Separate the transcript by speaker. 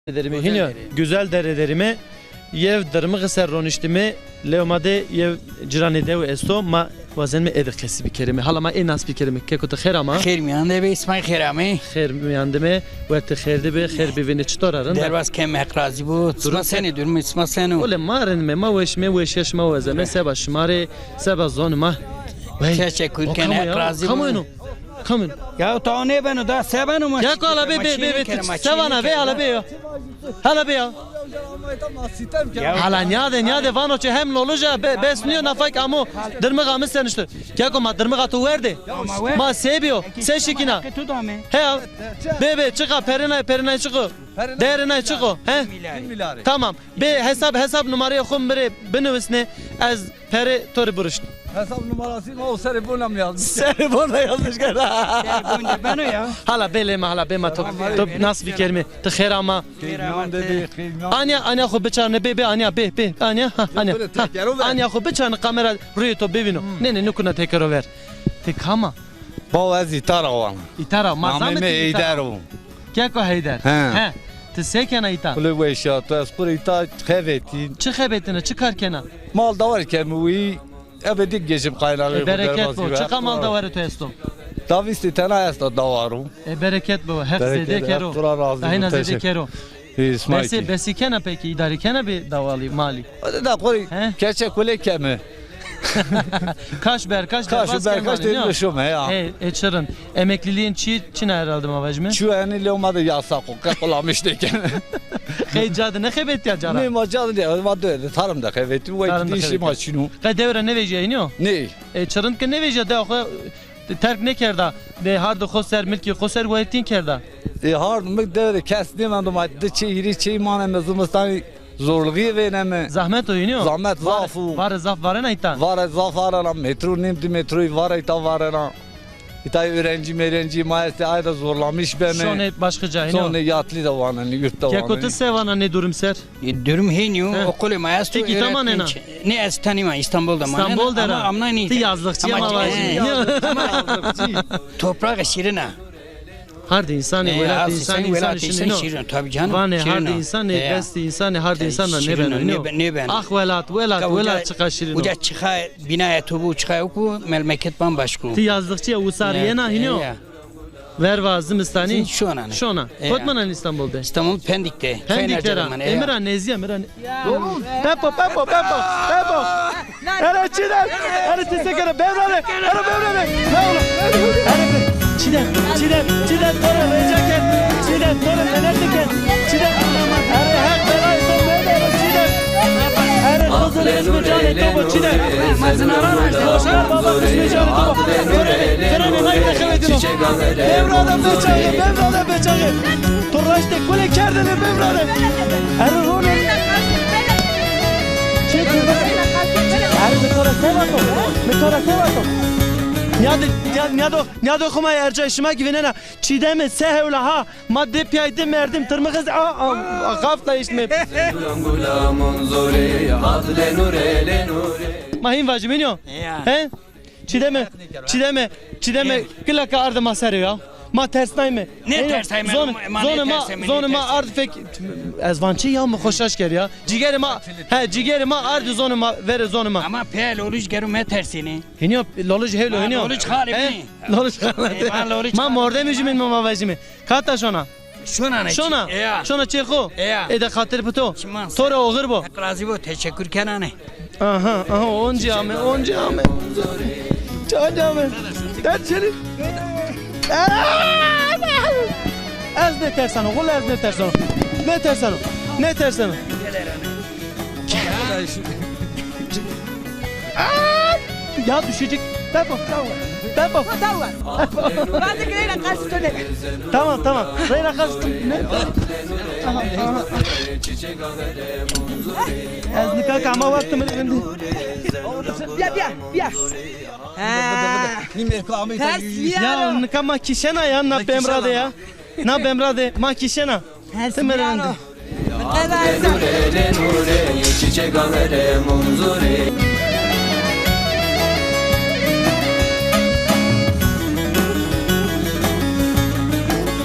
Speaker 1: Derimi hinyo güzel derelerimi yev derimi gıser roniştimi leomade yev ciranede ve esto ma vazen mi edik kesi bir kerime halama en az bir kerime kekota kher ama
Speaker 2: خير میانده به اسمای خیرامه
Speaker 1: kher miyandime ve te kherde be kher bivine çtorarın
Speaker 2: درواز کم اقرازی بود اسما سنی دورم اسما سنو
Speaker 1: ole maren me ma weş yaş ma wazeme seba şmare seba zon ma
Speaker 2: تشکر کنه اقرازی
Speaker 1: kamu
Speaker 2: بود
Speaker 1: kamu
Speaker 2: یا تو نه بنو دا سبانو ما
Speaker 1: ya ko ala be sevana be ala be ya hala be ya hala nyade vano çe hem loluja besniyor nafak amu dırmı gamı sen işte ya ko ma dırmı tu verdi ma sebiyo sen şikina
Speaker 2: تو دامه
Speaker 1: he be çıka perina çıkı derine çıkı he tamam be hesap numarayı kum bire benevisne az peri tori buruştu
Speaker 3: Hesap numarasını o serifona mı yazmış?
Speaker 1: Serifona yazmış galiba.
Speaker 2: بنو یا
Speaker 1: Hala belema hala bema top nasıl bir kelime tıkhir ama
Speaker 3: Kıyman dedi, kıyman.
Speaker 1: anya xo beçarne be anya be anya anya anya xo beçarne kamera ruyu to bevino ne nukuna tekrar ver tek ama
Speaker 3: Ba az itar avan.
Speaker 1: itara mazamet
Speaker 3: Nameme eyder o.
Speaker 1: Kya ko heyder he te sekena ita
Speaker 3: Kule ve şatı az kur ita khevetin.
Speaker 1: çıkebetine çıkarkena
Speaker 3: Mal da var ki müvi ebedik geçip kaynağı.
Speaker 1: bereket bu çıkamal da var to estom
Speaker 3: Davisti tena asta davaru.
Speaker 1: bereket bu hak
Speaker 3: Bereket,
Speaker 1: zede kero
Speaker 3: hak tura razı,
Speaker 1: ayna zede
Speaker 3: teşekkür.
Speaker 1: kero
Speaker 3: İsmail.
Speaker 1: besi kena peki idare kena bir davali mali
Speaker 3: Hadi da kur
Speaker 1: He?
Speaker 3: keçe kule kemi.
Speaker 1: kaç
Speaker 3: Kaş berkaş demişim ya.
Speaker 1: Çırın emekliliğin çine herhalde mavajme.
Speaker 3: Şu yani leomada yasak o kakolamıştı ki.
Speaker 1: Heyecadı ne hebet ya
Speaker 3: Ne
Speaker 1: cara.
Speaker 3: macadı ne vardı tarım da khevetin
Speaker 1: Tarım da
Speaker 3: ve dişi
Speaker 1: khevetin.
Speaker 3: maçını.
Speaker 1: Devre ne veje iniyor.
Speaker 3: Ne?
Speaker 1: Çırın ke ne veje de o terk ne kerda. De hardo khoser milki khoser vayetin kerda.
Speaker 3: Hardım devre kestim ben de madde çeyri çeyman mezumstan zorluğu vereme.
Speaker 1: Zahmet oynuyor.
Speaker 3: Zahmet zafu.
Speaker 1: Var zaf var ne ita.
Speaker 3: Var zafarana metro nemdi metroyu var ita varana. İta öğrenci maalesef ayda zorlamış beni.
Speaker 1: Şone başka
Speaker 3: Sonra
Speaker 1: cahino.
Speaker 3: yatlı da var hani yurtta var.
Speaker 1: Kekotu sevana ne durum ser.
Speaker 2: دورم هینیو
Speaker 1: He.
Speaker 2: okul ما است
Speaker 1: Peki, tamam, nena.
Speaker 2: نه از تانی ما İstanbul'da ما
Speaker 1: İstanbul dera.
Speaker 2: ama ne
Speaker 1: Ti yazlıkçı ama var.
Speaker 2: toprağı şirine
Speaker 1: Hardi insan velat insan işini no.
Speaker 2: tabii canım
Speaker 1: Vane hardi insan besti insan hardi insanla ne ben
Speaker 2: ne ben
Speaker 1: Ah velat çıkaşırın.
Speaker 2: Uca çıka binaya tubu çıka oku memleket bambaşka.
Speaker 1: Ti yazdıkça usariye na hino. Ver vazım istani.
Speaker 2: Şona.
Speaker 1: Şona. Kotmanan İstanbul'da.
Speaker 2: İstanbul Pendik'te.
Speaker 1: Pendik'te. Emirhan Neziye Emirhan. Pepo. Ara çidem. Ara tesekere bevrale. Ara bevrale. Çidem. Tora vejaket. Çidem. Tora enerjiket. Çidem. Ara hak belay son bevrale. Çidem. Ara kızıl ismi canı topu çidem. Boşar baba ismi canı topu. Kerane hayda khevedino. Bevrale beçağı. Turraşte kule kerdene bevrale. Ara rone. Metora sevato. Nyado khuma erca işime güvenene. Çiğdeme sehevla ha. Madde piyaydı merdim tırmıkız. Gafla işme. Mahim vaciminiyo. He? Çiğdeme. Gülaka ardı masarı ya. Ma tersnay mı?
Speaker 2: Ne tersnay mı?
Speaker 1: Zonuma ard fek ezvançı ya mı hoşaş ger ya. Cigerima ardı zonuma vere zonuma.
Speaker 2: Ama pel oluş gerume tersini.
Speaker 1: Hiniyo loluj hevlo hiniyo.
Speaker 2: Loluj halibni.
Speaker 1: Loluj halibni. Ma morde müjimin mama vajimi. Kata şona. Şona çeko. Ede khatır puto. Tora oğur bu.
Speaker 2: Ekrazi bu teşekkür kenane.
Speaker 1: Aha onca ame. Çağame. Derçeli. Ez ne tersan o, ez ne tersan o. Ne tersan o. Ya düşecek. Depo. Tamam. Reyna kaçtı. Ne? Ez nikah kama vakti mi?
Speaker 4: Bia.
Speaker 1: Ya nikah ma kişena ya na bemrade ya. Na bemrade ma kişena. Temerende.
Speaker 4: Nure, çiçek alere munzure.